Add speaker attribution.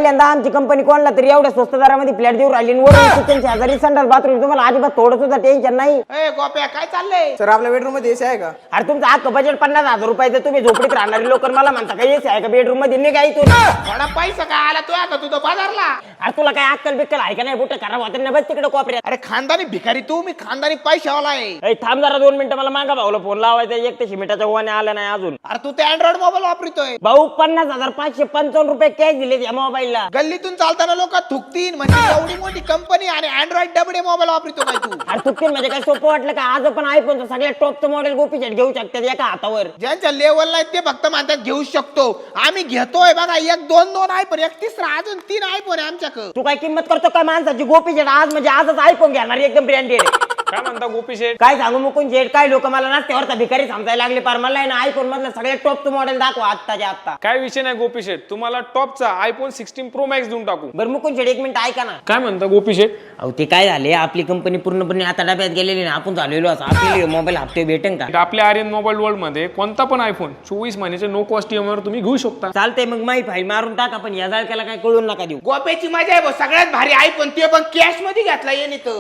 Speaker 1: पहिल्यांदा आमची कंपनी कोणला तरी एवढ्या स्वस्त दरामध्ये फ्लॅट देऊ राहिली वरून किचन शेजारी संडास बाथरूम तुम्हाला अजिबात थोडं सुद्धा टेन्शन नाही.
Speaker 2: गोप्या काय चाललंय?
Speaker 3: सर आपल्या बेडरूम मध्ये एसी आहे का?
Speaker 1: अरे तुमचं अख्खं बजेट 50,000 रुपयाचं, तुम्ही झोपडीत राहणारे लोक मला म्हणता काय एसी आहे का बेडरूम मध्ये? निघाय तू.
Speaker 2: थोडा पैसा काय आला तो का तुझं बाजारला?
Speaker 1: अरे तुला काय अक्कल बिक्कल आहे का नाही? बुट खराब होते ना बस तिकडे कोपऱ्यात.
Speaker 2: अरे खानदानी भिकारी तू, मी खानदानी पैशावाला आहे.
Speaker 1: ए, थांब जरा 2 मिनिटं, मला मागा भाऊला फोन लावायचा. एक तर शिमिटाच्या ओवाने आला नाही अजून.
Speaker 2: अरे तू ते अँड्रॉइड मोबाईल वापरतोय.
Speaker 1: भाऊ 50,555 रुपये कॅश दिले या मोबाईलला.
Speaker 2: गल्लीतून चालताना लोक थुकतीन म्हणजे एवढी मोठी कंपनी आणि अँड्रॉइड डबडे मोबाईल वापरतो काय तू?
Speaker 1: अरे चुकतील म्हणजे काय सोपं वाटलं का? आज पण आयफोनचं सगळ्यात टॉपचं मॉडेल गोपी शेट घेऊ शकतात एका हातावर.
Speaker 2: ज्यांच्या लेवल नाही ते फक्त म्हणतात घेऊ शकतो. आम्ही घेतोय बघा, 1 2 आयफोन, 31 अजून 3 आयफोन आहे आमच्याकडे.
Speaker 1: तू काय किंमत करतो काय माणसाची? गोपी शेट आज म्हणजे आजच आयफोन घेणार एकदम ब्रँडेड.
Speaker 4: काय म्हणता गोपी शेठ?
Speaker 1: काय सांगू मुकुंद शेट, काय लोक मला नाश्त्यावरचा भिकारी समजायला लागले. पार मला आहे ना आयफोन मधलं सगळ्यात टॉपचं मॉडेल दाखवा आत्ताच्या आत्ता.
Speaker 4: काय विषय नाही गोपी शेठ, तुम्हाला टॉपचा आयफोन 16 प्रो मॅक्स देऊन टाकू.
Speaker 1: बरं मुकुंद शेट एक मिनिट ऐका ना.
Speaker 4: काय म्हणता गोपी शेठ?
Speaker 1: अहो ते काय झाले, आपली कंपनी पूर्णपणे आता डब्यात गेलेली ना, आपण झालेलो असं. आपले मोबाईल हप्ते भेटेन का?
Speaker 4: आपल्या आर्यन मोबाईल वर्ल्ड मध्ये कोणता पण आयफोन 24 महिन्याचे नो कॉस्ट EMI वर तुम्ही घेऊ शकता.
Speaker 1: चालतंय मग माही फाईल मारून टाका, पण या जाळक्याला काय कळून नका देऊ.
Speaker 2: गोप्याची मजा आहे भाऊ, सगळ्यात भारी आयफोन, ते पण कॅश मध्ये घेतला येणे तर.